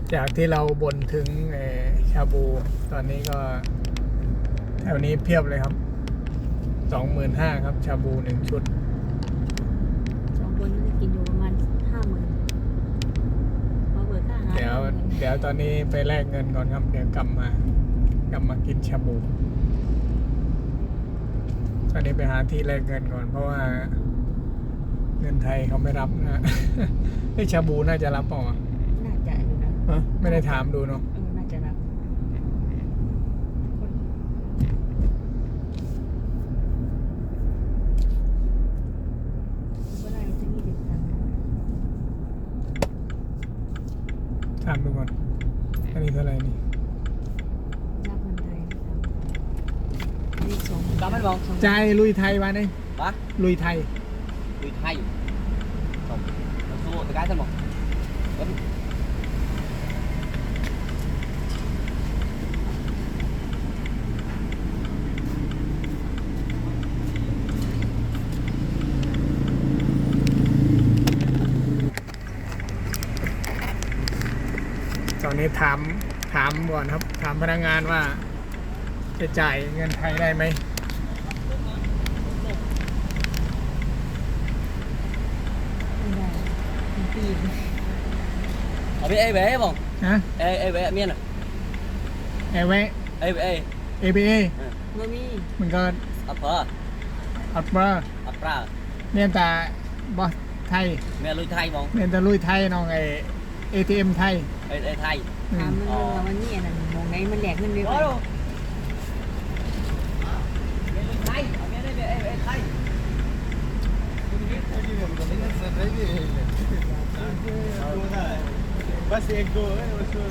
จากที่เราบ่นถึงชาบูตอนนี้ก็แถวนี้เพียบเลยครับ 25,000ครับชาบู1 ชุด 2 คนจะกินอยู่ประมาณ 50,000พอเปิดค่าอาหารเดี๋ยวตอนนี้ไปแลกเงินก่อนครับเดี๋ยวกลับมากินชาบูตอนนี้ไปหาที่แลกเงินก่อนเพราะว่าเงินไทยเขาไม่รับนะที่ชาบูน่าจะรับเปล่าน่าจะอยู่นะไม่ได้ถามดูเนาะน่าจะรับถามดูก่อนอันนี้เท่าไหร่นี่รับเงินไทยนี่2 Cảm ơn bông. ใจลุยไทยมาเนี่ย Hả? ลุยไทย Người Thái. Không. Nó xua cái thân bông. Vẫn. ตอนนี้ถามก่อนครับถามพนักงานว่าจะจ่ายเงินไทยได้ไหมไม่ได้ปีน Ở bên A bé bông. ฮะ A bé miên à. แอร์เวย์ A bé. ABA ไม่มีมันก็ Upper. อัปเปอร์ Upper. เนี่ยแต่บอสไทย Mẹ lui Thái bông. เนี่ยแต่ลุยไทยน้องATM ไทย A Thái. ถามมันว่ามันนี่อันนั้นมองไหนมันแหลกเงินด้วย Đó đâu. Mẹ lui Thái. Ở bên đây A Thái. बस एक दो है उसको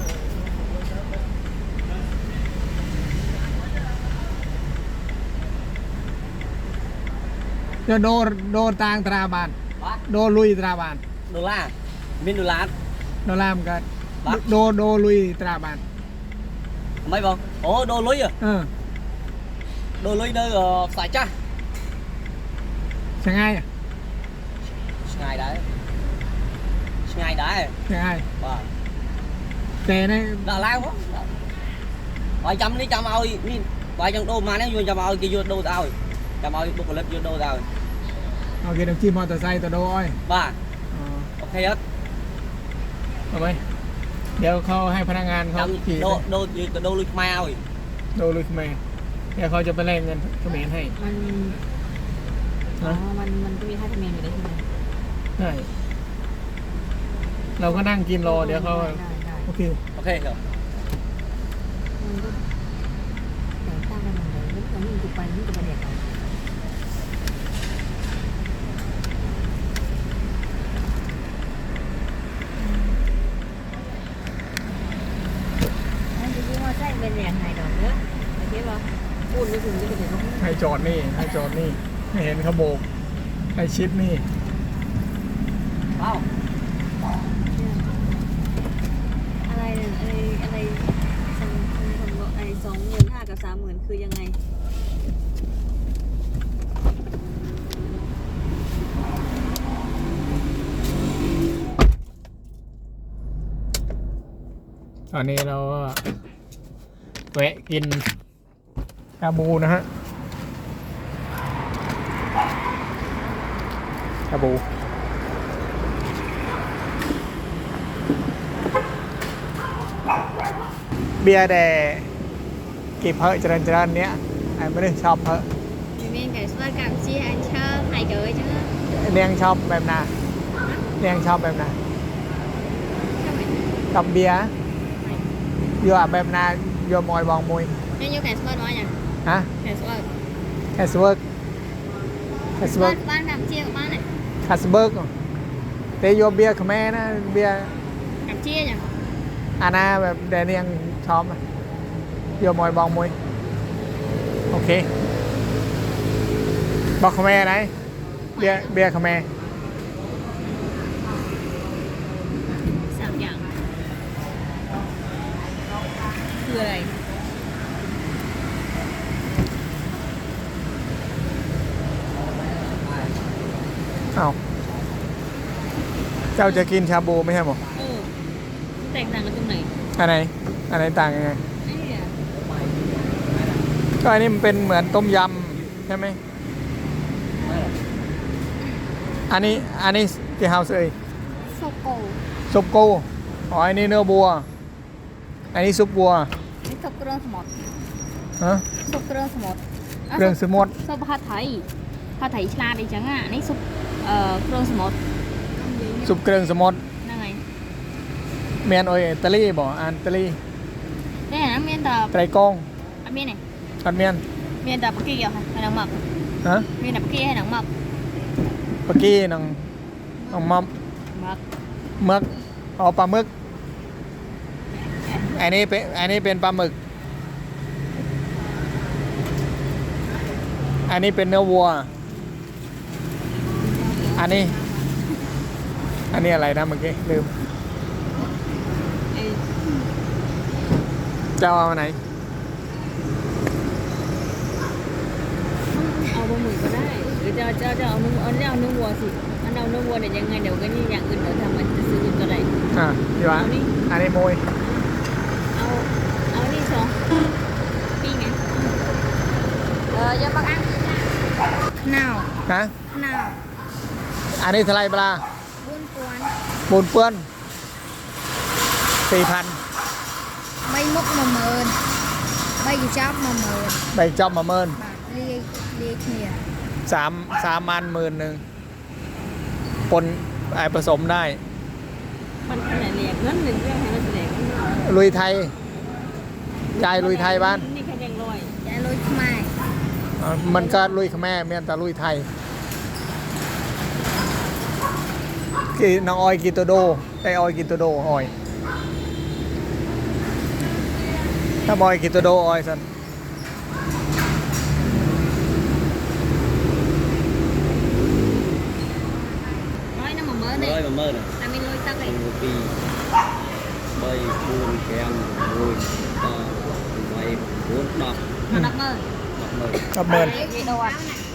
จะโดต่างตราบาน Hả? โดลุยตราบาน Đô la. Miên đô la. โดลามกันบักโดลุยตราบาน Mấy bông. Ồ đô lui à. เออ Đô lui nơi phải cha. ใช่ไงอ่ะ Ngày đấy. Ngày đấy. ใช่ไง Vâng. แต่ใน Đã lao quá. Vài trăm đi trăm ơi, đi vài trăm đô mà nếu vô trăm ơi kia vô đô tao. Trăm ơi đô clip vô đô tao. เอาเกียร์น้ำจิ้มมอเตอร์ไซค์ตัวโดอ้อย Ba. อ๋อ Ok hết. เอาไปเดี๋ยวเขาให้พนักงานเขา Trăm ขี่ đô lui mai ơi. โดลุยเขมรเดี๋ยวเขาจะไปแลกเงินเขมรให้มันอ๋อมันก็มีค่าธรรมเนียมอยู่ได้ใช่ไหมใช่เราก็นั่งกินรอเดี๋ยวเขาได้โอเค Ok hiểu. มันก็แต่งตั้งกันมันเลยแล้วตอนนี้มันจะไปมันจะมาเด็กเอาอันนี้ว่าใช่เป็นแหล่งหายดอกเนอะโอเคป่ะพูดไม่ถึงจะเป็นอย่างนั้นให้จอดนี่ไม่เห็นเขาโบกให้ชิดนี่ Wow. อะไรเนี่ยอะไร25,000กับ30,000คือยังไงตอนนี้เราก็แวะกินชาบูนะฮะชาบูเบียร์แดกี่เพอเจริญเนี้ยไอ้ไม่ได้ชอบเพอ Thì mình phải xoay cảm chi anh chơi hay chơi chứ เนียงชอบแบบนาเนียงชอบแบบนากับเบียร์อยู่แบบนาอยู่มอยบองมวย Nhưng như phải xoay nói nhỉ ฮะ Phải xoay แคสเวิร์ก Xoay ban cảm chi của bạn này คาสเบิร์กแต่โยเบียร์ขแม่นะเบียร์ Cảm chi nhỉ อาณาแบบแดเนียงชอบอะโยมอยบองมวยโอเคบอกขแม่ไหนเบียร์ขแม่ 3 อย่างคืออะไรอ้าวเจ้าจะกินชาบูไม่ใช่หรอแตกต่างกันตรงไหนอันไหนต่างยังไงนี่อ่ะก็อันนี้มันเป็นเหมือนต้มยำใช่ไหมอันนี้ที่เฮาส์เอ้ยโซโก้ซุปกูอ๋ออันนี้เนื้อบัว อันนี้ซุปบัวนี่ซุปเครื่องสมดฮะซุปเครื่องสมดเครื่องสมดซุปผัดไทยฉลาดดีจังอ่ะนี่ซุปเครื่องสมดซุปเครื่องสมดนั่นไงเมียนโอยอิตาลีบ่อันอิตาลีนี่นะเมียนแต่ไตรกงอันเมียนไหนอันเมียนเมียนแต่ปากกี้เหรอให้น้องหมักฮะเมียนแต่ปากกี้ให้น้องหมักปากี้นังมัมหมักมึกอ๋อปลาหมึกอันนี้เป็นปลาหมึกอันนี้เป็นเนื้อวัวอันนี้อะไรนะเมื่อกี้ลืมไอ้จะเอาอันไหนเอาบะหมี่ก็ได้หรือจะเอาเนื้อวัวสิอันเอาเนื้อวัวเนี่ยยังไงเดี๋ยวก็นี่อย่างอื่นเดี๋ยวทำมันจะซื้อก็ได้ดีวะเอานี่อันนี้มวยเอานี่สองปีไงยังบางอันหนาวฮะหนาวอันนี้เท่าไหรปลาบุญกวนปูนเปื้อน4,000 ไม่มุกมาเมินไม่กี่จับมาเมินใบจอบมาเมินบาทเรียกเนี่ย 3 มัน10,000ปนผสมได้มันขนาดเรียกเงินหนึ่งเรื่องให้มันแสดงลุยไทยยายลุยไทยบ้านนี่แค่ยังลอยยายลอยทำไมมันก็ลุยขแม่เมียนแต่ลุยไทยกี่น้องออยกินตัวโดไอออยกินตัวโดออยถ้าบอยกินตัวโดออยสันร้อยน้ำมาเมินเนี่ย rồi mà mơ này แต่ไม่ลอยตักเลย một kỳ bay buồn kèm vui to bay bốn đọc นักเมิน đọc mơ กับเมินกี่โดน